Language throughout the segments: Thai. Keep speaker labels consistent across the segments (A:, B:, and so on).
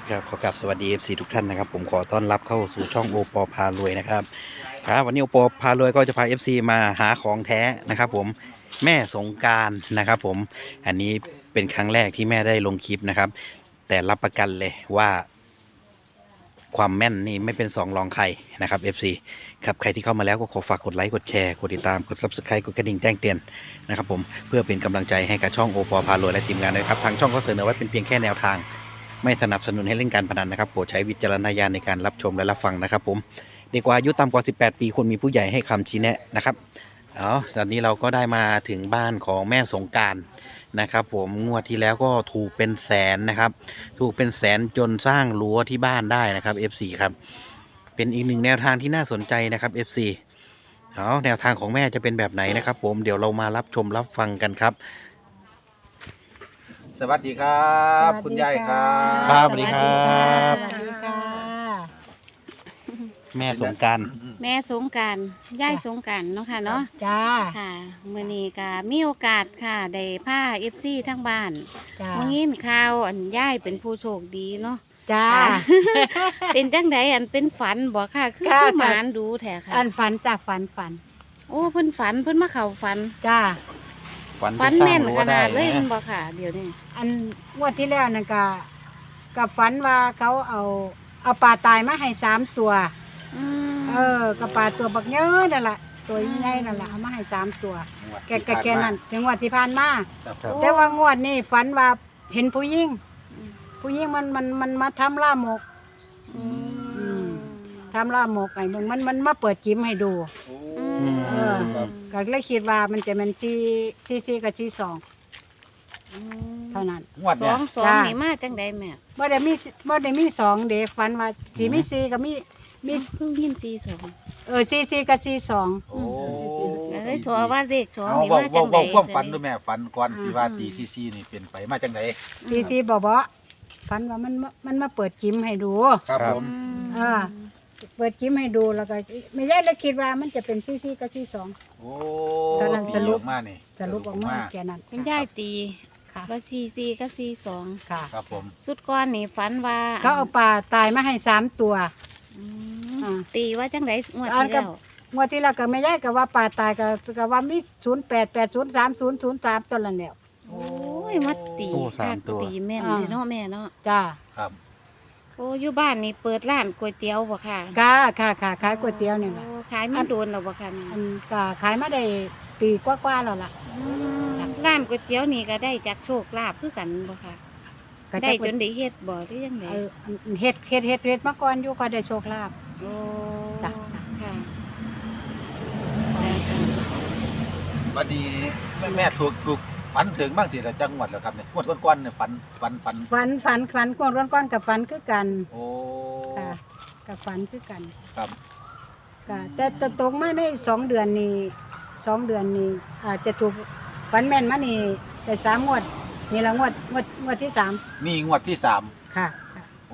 A: ครับขอกราบสวัสดี FC ทุกท่านนะครับผมขอต้อนรับเข้าสู่ช่องโอปอพารวยนะครับครับวันนี้โอปอพารวยก็จะพา FC มาหาของแท้นะครับผมแม่สงกรานต์นะครับผมอันนี้เป็นครั้งแรกที่แม่ได้ลงคลิปนะครับแต่รับประกันเลยว่าความแม่นนี่ไม่เป็นสองรองใครนะครับ FC ครับใครที่เข้ามาแล้วก็ขอฝากกดไลค์กดแชร์กดติดตามกด Subscribe กดกระดิ่งแจ้งเตือนนะครับผมเพื่อเป็นกำลังใจให้กับช่องโอปอพารวยและทีมงานด้วยครับทางช่องก็เสนอไว้เป็นเพียงแค่แนวทางไม่สนับสนุนให้เล่นการพนันนะครับโปรดใช้วิจารณญาณในการรับชมและรับฟังนะครับผมเด็กกว่าอายุต่ำกว่า18 ปีควรมีผู้ใหญ่ให้คำชี้แนะนะครับตอนนี้เราก็ได้มาถึงบ้านของแม่สงกรานต์นะครับผมงวดที่แล้วก็ถูกเป็นแสนนะครับถูกเป็นแสนจนสร้างรั้วที่บ้านได้นะครับ FC ครับเป็นอีกหนึ่งแนวทางที่น่าสนใจนะครับ FC แนวทางของแม่จะเป็นแบบไหนนะครับผมเดี๋ยวเรามารับชมรับฟังกันครับ
B: สวัสดีครับ คุณยายครับ
A: ครับสวัสดีครับ
C: สวัสดีค่ะ
A: แม่สงกรานต์
D: แม่สงกรานต์ยายสงกรานต์เนาะค่ะเนาะ
C: จ้า
D: ค่ะมื้อนี้ก็มีโอกาสค่ะได้พา FC ทั้งบ้าน
C: จ้า
D: มื้อนี้ข่าวอันยายเป็นผู้โชคดีเนาะ
C: จ้า
D: เป็นจังไดอันเป็นฝันบ่ค่ะคือ
C: ค่ะ
D: หมานดูแท้ค่ะ
C: อันฝันจากฝัน
D: โอ้เพิ่นฝันเพิ่นมาเข้าฝัน
C: จ้า
D: ฝันแม่นขนาดเลยแม่นบ่ค่ะเดี๋ยวนี้
C: อันงวดที่แล้วนั่นก็กับฝันว่าเขาเอาปลาตายมาให้3 ตัว
D: อืม
C: กับปลาตัวบักเยอะนั่นแหละตัวใหญ่นั่นแหละเอามาให้3 ตัว แกนั่นถึงงวดที่ผ่านมา
B: ครับ
C: แต่ว่างวดนี้ฝันว่าเห็นผู้หญิงมันมาทำล่ามก
D: อืม
C: ทำล่ามกไอ้มันมาเปิดจิ้มให้ดู
D: อืม
C: เออ ก็เลยคิดว่ามันจะเป็นซีกับซี2เท่านั้น
B: งวด
D: ส
B: เนี่
D: อย งสอง
C: จ้า
D: นี่มาจังไดแม่
C: บ่ได้มี2เด็กฝันว่าสิมี4กับมี
D: คือยินซีสอง
C: ซีกับซี2
B: โอ้
D: เอ้ยสอว่าเลขสอง
B: เอา
D: นี่
B: เว้า
D: มาจังได
B: เว้าความฝันด้วยแม่ฝันก่อนที่ว่าตีซีนี่เป็นไปมาจังได
C: ซีบ่ฝันว่ามันมาเปิดจิ้มให้ดู
B: ครับผม
C: อ่า เปิดจิ้มให้ดูแล้วก็ไม่ใช่แล้วคิดว่ามันจะเป็นซีกับซี2
B: โอ้
C: ตอนนั้นสรุป
B: ออกมานี่
C: สรุปออกมาแค่นั้น
D: เป็นยายตี
C: ค่ะ
D: ว่าซีกับซีสอง
C: ค่ะ
B: ครับผม
D: สุดก้อนนี่ฝันว่า
C: เขาเอาปลาตายมาให้3 ตัว
D: อื
C: อ่า
D: มตีว่าจังไดงวด
C: อัน
D: ที่
C: ก็
D: แล้ว
C: งวดที่แล้วก็ไม่ใช่ก็ว่าปลาตายก็ว่ามี08803003ตัวนั้นแล้ว
D: โอ้ยมาตี
A: โอ้สาม
D: คัก
A: ตัว
D: ตีแม่น
C: อ่า
D: เลยเนาะแม่เนาะ
C: จ้า
B: ครับ
D: โอ้อยู่บ้านนี่เปิดร้านก๋วยเตี๋ยวบ่ค่ะ
C: ค่ะขายก๋วยเตี๋ยวนี่แหละ
D: โอ้ขายมาโดนแล้วบ่ค่ะนี่
C: อันก็ขายมาได้ปีกว่าๆแล้วล่ะ
D: อืมร้านก๋วยเตี๋ยวนี่ก็ได้จากโชคลาภคือกันบ่ค่ะ
C: ก็
D: ได้
C: จะ
D: จนได้เฮ็ดบ่หรือยังไง
C: เฮ็ดมาก่อนอยู่ก็ได้โชคลาภ
D: โอ้
C: จ้ะ
D: ค่ะ
B: วันนี้แม่ถูกฝันถึงบ้างสิละจังหวัดแล้วครับเนี่ยงวดก้อนๆเนี่ยฝัน
C: ฝันก่อนกับฝันคือกัน
B: โอ้
C: ค่ะกับฝันคือกัน
B: ครับ
C: ก็แต่ตกมาได้2 เดือนนี้อาจจะถูกฝันแม่นมานี่ได้3 งวดนี่ละงวดที่3
B: นี่งวดที่3
C: ค่ะ
B: โอ้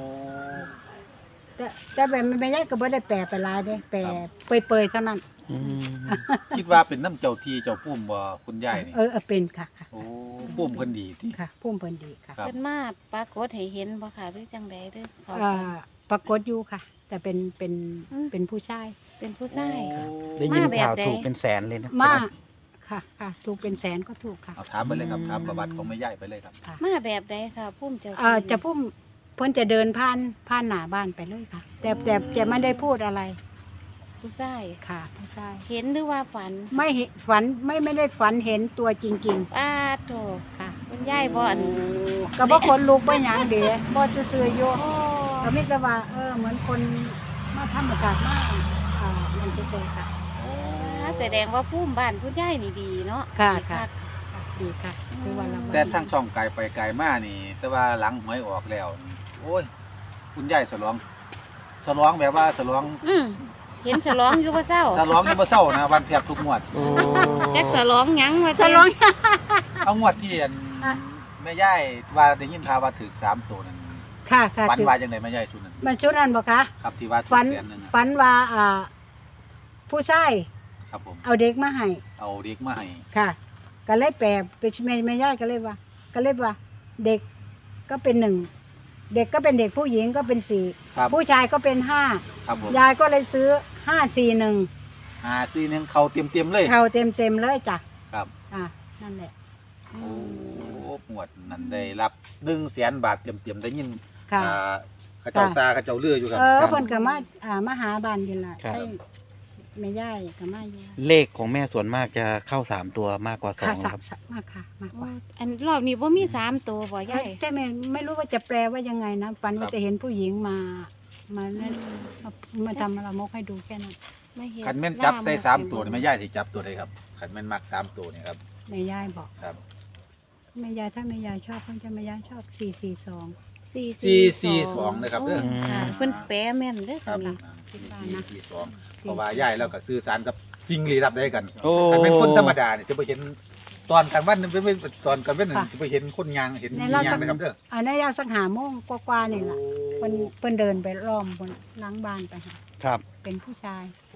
C: แต่แบบไม่ใช่ก็บ่ได้แปลไปหลายเด้แปลเปยๆเท่านั้น
A: อืม
B: คิดว่าเป็นน้ำเจ้าที่เจ้าพุ่มบ่คุณยายนี่
C: เป็นค่ะ
B: โอ้พุ่มเพิ่นดีที่
C: ค่ะพุ่มเพิ่นดีค่ะ
B: ครับ
D: เพิ่นมาปรากฏให้เห็นบ่ค่ะหรือจังใดหรือเขา
C: อ่า
D: ฝัน
C: ปรากฏอยู่ค่ะ แต่เป็น
D: อืม
C: เป็นผู้ชาย
D: เป็นผู้ชาย
A: ได้ยิน
D: มาแบบ
A: ข่าว
D: ใด
A: ถูกเป็นแสนเลยนะ
C: มาค่ะ ถูกเป็นแสนก็ถูกค่ะ
B: เอาถามไปเลยครับถามประวัติของแม่ยายไปเลยครับ
C: ค่ะ
D: มาแบบใดค่ะพุ่มเจ้า
C: จะพุ่มเพิ่นจะเดินผ่านหน้าบ้านไปเลยค่ะ แต่จะไม่ได้พูดอะไร
D: ผู้ชาย
C: ค่ะผู้ชาย
D: เห็นหรือว่าฝัน
C: ไม่เห็นฝันไม่ได้ฝันเห็นตัวจริง
D: ป้าโถ
C: ๆค่ะ
D: คุณยายบ่อัน
C: ก็บ่คนลุกบ่หยังเด้บ่ซื่อๆอยู่
D: โอ้
C: ก็มีแต่ว่าเหมือนคนมาธรรมชาติมากมันเฉยๆค่ะ
D: แสดงว่าพุ่มบ้านคุณยายนี่ดีเนาะ
C: ค่ะ
D: ดี
C: ค่ะ
D: คัก
C: ดีค่ะคือว่าเรา
B: แต่ทางช่องไกลไปไกลมานี่ แต่ว่าหลังหวยออกแล้วนี่โอ้ย คุณยายฉลองแบบว่าฉลอง
D: เห็นฉลองอยู่บ่เศร้า
B: ฉลองนี่บ่เศร้านะวันแทบทุกงวด
A: โอ้
D: จักฉลองหยังว่า
C: ฉลอง
B: เอางวดที่อัน
C: อ่ะ
B: แม่ยายว่าได้ยินข่าวว่าถึก3ตัวนั่น
C: ค่ะ
B: ฝัน
C: จุด
B: ว่าจังไดแม่ยายชุดนั้น
C: มันชุดนั้นบ่คะ
B: ครับที่ว่าถูก
C: ฝัน
B: แสนหนึงอะ
C: ฝันว่าผู้ชาย
B: ครับผม
C: เอาเด็กมาให้
B: เอาเด็กมาให้
C: ค่ะ ก็เลยแปลเป็นแม่ย่ายก็เลยว่า เด็กก็เป็น1 เด็กก็เป็นเด็กผู้หญิงก็เป็นสี่
B: ครับ
C: ผู้ชายก็เป็นห้า
B: ครับผม
C: ยายก็เลยซื้อ541
B: 541เขาเต็มๆเลย
C: เขาเต็มเลยจ้ะ
B: ครับ
C: นั่นแหละ
B: โอ้หมวดนั้นได้รับ100,000 บาทเต็มๆได้ยิน
C: ค่ะ
B: เขาเจ้าซาเขาเจ้าเลืออยู่ครับ
C: เพิ่นก็มาหาบ้านนี่ล่ะ
A: ครับ
C: ได้แม่ย่ายก็มาอยู่
A: เลขของแม่ส่วนมากจะเข้า3ตัวมากกว่า
C: ค่ะ
A: 2ครับ
C: มากค่ะมากก
D: โอ้
C: ว่า
D: อันรอบนี้บ่มี3ตัวบ่ยาย
C: แต่ไม่รู้ว่าจะแปลว่ายังไงนะฝันว่าจะเห็นผู้หญิงมาเล่นมาทำละมกให้ดูแค่นั้น
D: ไม่เห็น
B: คันแม่นจับใส่3ตัวนี่แม่ย่ายสิจับตัวใดครับคันแม่นมัก3ตัวนี่ครับ
C: แม่ย่ายบอก
B: ครับ
C: แม่ย่ายถ้าแม่ย่ายชอบเพิ่นจะแม่ย่ายชอบ442
B: 442นะครับเด้อ
D: โค่ะเพิ่นแปลแม่นเด้อ
B: ครับ
D: ค่ะ
C: คิดว่านะ
B: 442เพราะว่าย่ายแล้วก็สื่อสารกับสิ่งลี้ลับได้กัน
A: โอ้
B: คันเป็นคนธรรมดานี่สิบ่เห็นตอนกลางวันนี่เป็นตอนกลางวันนี่สิบ่เห็นคนยางเห็น
C: ใน
B: มี
C: รอบ
B: ยา
C: สั
B: ง
C: ก
B: นะครับเด้อ
C: ในยาสักหาโมงกว่าๆนี่ล่ะเพิ่นเดินไปล้อมบนหลังบ้านไปหา
A: ครับ
C: เป็นผู้ชาย
B: โอ้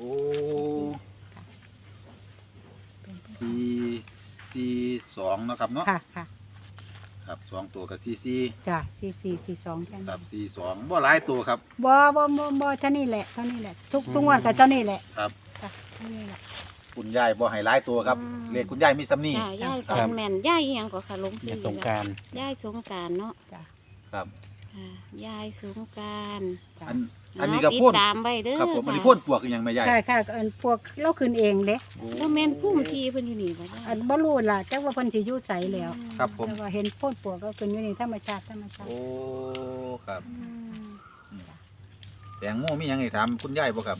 C: เป็นผู้
B: 442เนาะครับเนาะ
C: ค่ะค่ะ
B: ครับ2ตัวกับ44
C: จ้ะ4442แค่
B: ค
C: นั้
B: รั
C: น
B: บ42บ่หลายตัวครับ
C: บ่เท่านี้แหละทุกงวดก็เท่านี้แหละ
B: ครับ
C: จ้ะเท่านี้แหละ
B: คุณยายบ่ให้หลายตัวครับเลขคุณยายมีซ้ำนี่
D: จ้ะยาย
A: ครั
D: ฝั
A: บ
D: นแม่นยายอีหยังก็ค่ะหลวง
A: แม่
D: พี่
A: สงกราร
D: ยายสงกรานต์เนาะ
C: จ้ะ
B: ครับ
D: ค่ะยายสงกรานต์
C: จ้ะ
B: อันนี้ก็
D: ติด
B: พ่น
D: ตามไว้เด้อ
B: ครับผมอันนี้
D: ค่ะ
B: พ่นปวกอีหยังแม่ยาย
C: ใช่ค่ะพวกเราขึ้นเองเด้
B: โอ้
D: บ่แม่นพุ่มทีเพิ่นอยู่นี่บ่ได้
C: บ่รู้ล่ะจักว่าเพิ่นสิอยู่ไสแล้ว
B: ครับผม
C: แต่ว่าเห็นโพ่นปวกก็ขึ้นอยู่ในธรรมชาติ
B: โอ้ครับ
D: อืม
B: แตงโมมีหยังให้ถามคุณยายบ่ครับ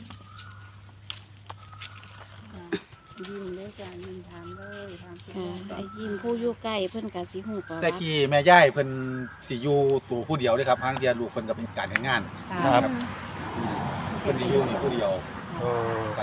C: ยิ้มเลยจ้ะยิ้มถามเลยถามสิ
D: ค่ะไอ้ยิ้มผู้อยู่ใกล้เพิ่นก็สิฮู้ประวั
B: แต่
D: ติ
B: กี้แม่ยายเพิ่นสิอยู่ตัวผู้เดียวเด้ครับทางเดียลูกเพิ่นก็เป็นการเฮ็ดงาน
A: ครับ
B: เพิ่นสิอยู่นี่ผู้เดียว
A: โอ้
B: ครับ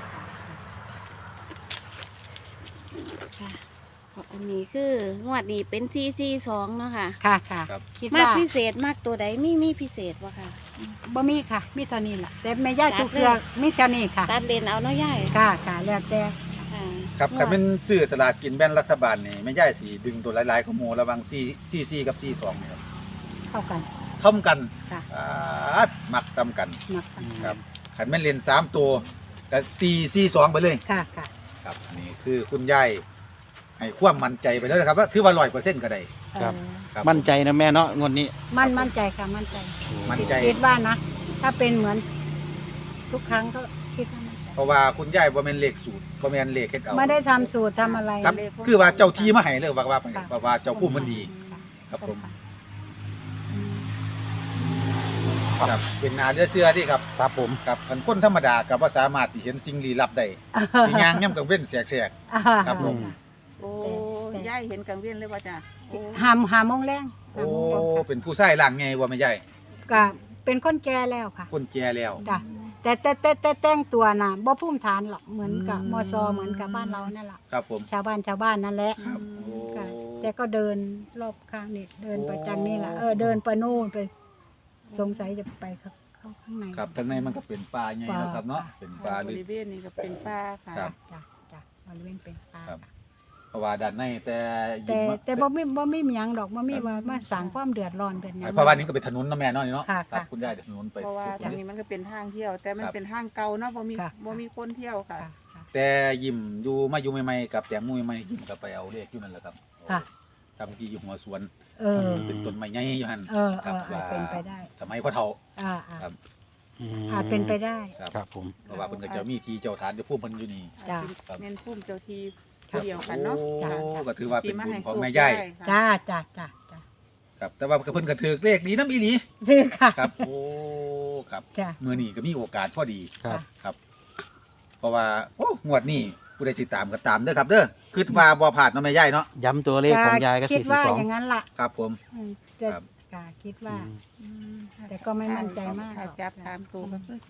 D: ค่ะอันนี้คืองวดนี้เป็น442เนาะค่ะ
C: ค่ะค่ะ
B: ครับ
C: คิด
D: มาก
C: ว่า
D: พิเศษมากตัวใดมีพิเศษบ่ค่ะ
C: บ่มีค่ะ มีเท่านี้ล่ะแต่แม่ย่าทุกเรื่องมีเท่านี้ค่ะ
D: ตัดเลนเอาเนาะยาย
C: ค่ะค่ะแล้วแต่
D: ค่ะ
B: ครับคันเป็นซื้อสลากกินแบ่งรัฐบาลนี่แม่ยายสิดึงตัวหลายๆของหมู่ระหว่าง44กับ42นี่ครับ
C: เข้ากัน
B: เท่ากัน
C: ค่ะ
B: มักซ้ำกัน
C: มักกัน
B: ครับคันแม่นเล่น3ตัวก็442ไปเลย
C: ค่ะค่ะ
B: ครับอันนี้คือคุณยายให้ความมั่นใจไปแล้วนะครับว่าถือว่า100%ก็ได้
A: ครับ
B: ครับ
A: มั่นใจนะแม่เนาะงวดนี้
C: มั่นใจค่ะมั่นใจ
B: มั่นใจ
C: คิดว่านะ ถ้าเป็นเหมือนทุกครั้งก็คิดว่ามั่นใจ
B: เพราะว่าคุณยายบ่แม่นเลขสูตรบ่แม่นเลขเฮ็ดเอา
C: ไม่ได้ทำสูตรทำอะไร
B: ครับ
C: เลย
B: คือว่าเจ้าที่มาให้เลยว่า
C: ค่ะ
B: ว่าเจ้าผู้มันดี
C: ค่ะ
B: ครับผม
C: อืม
B: ครับเป็นนาเชื่อที่ครับ
A: ครับผม
B: ครับคันคนธรรมดาก็บ่สามารถที่เห็นสิ่งลี้ลับได้ที่ย่างย่ำกลางเว้นแสก ครับผม
E: โอ้
C: แต่
E: ยายเห็นกังเวียนเลยว่าจ้ะโอ้
C: หาโมงแรง
B: ๆโอ้เป็นผู้ชายร่างไงว่าแม่ยาย
C: ก็เป็นคนแก่แล้วค่ะ
B: คนแก่แล้ว
C: จ้ะแต่แต่งตัวน่ะบ่ภูมิฐานหรอกเหมือนกับมซเหมือนกับบ้านเรานั่นแหละ
B: ครับผม
C: ชาวบ้านนั่นแหละ
B: ครับโอ้
C: ค่ะแต่ก็เดินรอบข้างนี่เดินไปจังนี่แหละเดินไปนู่นไป สงสัยจะไปเข้าข้างใน
B: ครับข้างในมันก็เป็นป่าใหญ่เนาะครับเนาะเป็นป่า
E: บ
B: ลึก
E: ริเวณนี้ก็เป็นป่าค่ะ
B: ครับ
C: จ้ะบริเวณเป็นป่า
B: ครับ เพราะว่าด้านในแต่ยิ
C: แต่
B: ม
C: แต่บ่มีหยังดอกบ่มีว่ามาสร้างความเดือดร้อนเป็นหยัง
B: เพราะว่านี้ก็เป็นถนนเนาะแม่เนาะนี่เนาะ
C: ค่ะ
B: ครับ
C: ค่ะ
B: คุณยายเดี๋ยวถนนไป
E: เพราะว่าทางนี้มันก็เป็นทางเที่ยว แต่มันเป็นทางเก่าเนาะบ่มีคนเที่ยวค่ะ
C: ค่ะค่ะ
B: แต่ยิมอยู่ใหม่ๆกับแตงโมใหม่ๆยิมก็ไปเอาเลขอยู่นั่นแหละครับ
C: ค่ะ
B: ทำที่อยู่หัวสวน เป็นต้นไม้ใหญ่อยู่หั่น ครับ
C: อาจเป็นไปได้
B: สมัยพ่อเฒ่า
C: อ่า
B: ครับ
C: อาจเป็นไปได้
A: ครับผม
B: เพราะว่าเพิ่นก็จะมีที่เจ้าฐานเจ้าผู้เพิ่นอยู่นี่
C: จ้ะ
E: เน้นพุ่มเจ้าทีเดียวกันเนาะ
B: โอ้
C: จ้ะ
B: ก็ถือว่าเป็นบุญของ
E: ที่า
B: แม่
E: ให้
B: ย่าย
E: โชคได้
C: จ้า
E: ค่ะ
C: จ้า
B: ครับ แต่ว่าเพิ่นก็ถือเลขดีน้ำอีหลี
C: ซื้อค่ะ
B: ครับ โอ้ครับ
C: จ้ะ
B: มื้อนี้ก็มีโอกาสพอดี
A: ครับ
B: ครับ เพราะว่าโอ้งวดนี้ผู้ใดติดตามก็ตามเด้อครับ เด้อคิดว่าบ่พลาดเนาะแม่ย่ายเนาะ
A: ย้ำตัวเลขของยายก็
C: คิดว่าอย่าง
A: 42
C: นั้นล่ะ
B: ครับผม
C: จะ
B: ครับ
C: กาคิดว่า
E: อืม
C: แต่ก็ไม่มั่นใจมาก
E: ถ้าจับ3ตัวก็คือ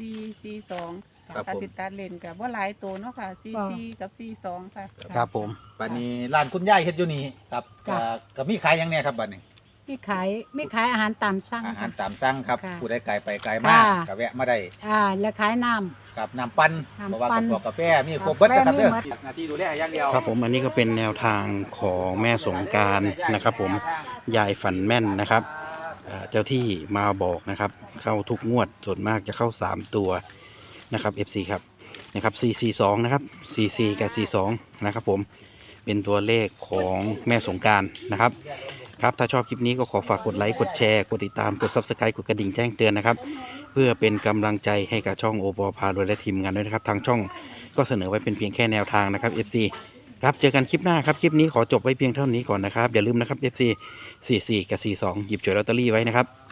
E: 442
B: ครับ
E: ถ้า
B: ผม
E: สิตัดเลนก็บ่หลายตัวเนาะค่ะ44กับ42ค่ะ
A: ครับผม
B: บัดนี้ร้านคุณยายเฮ็ดอยู่นี่ครับก็มีขายหยังแน่ครับบัดนี้
C: มีขายอาหารตามสั่ง
B: อาหาร
C: ค่ะ
B: ตามสั่งครับ
C: ค่ะ
B: ผู้ใดไกลไปไกลมา
C: ค่ะ
B: ก็แวะมาได้
C: แล้วขายน้ำ
B: กับน้ำปั่น
C: น้ำ
B: เพราะว่า
C: ปั่
B: กับ
C: น
B: พวกกาแฟมีครบเบิดนะครับเด้อก
C: าแฟมีหมด
B: หน้าที่ดูแลอย่างเดียว
A: ครับผมอันนี้ก็เป็นแนวทางของแม่สงกรารนะครับผมยายฝันแม่นนะครับเจ้าที่มาบอกนะครับเข้าทุกงวดส่วนมากจะเข้า3ตัวนะครับ FC ครับนะครับ442นะครับ44กับ42นะครับผมเป็นตัวเลขของแม่สงกรานต์นะครับครับถ้าชอบคลิปนี้ก็ขอฝากกดไลค์กดแชร์กดติดตามกด Subscribe กดกระดิ่งแจ้งเตือนนะครับเพื่อเป็นกำลังใจให้กับช่องโอปอพารวยและทีมงานด้วยนะครับทางช่องก็เสนอไว้เป็นเพียงแค่แนวทางนะครับ FC ครับเจอกันคลิปหน้าครับคลิปนี้ขอจบไว้เพียงเท่านี้ก่อนนะครับอย่าลืมนะครับ FC 44กับ42หยิบฉวยลอตเตอรี่ไว้นะครับ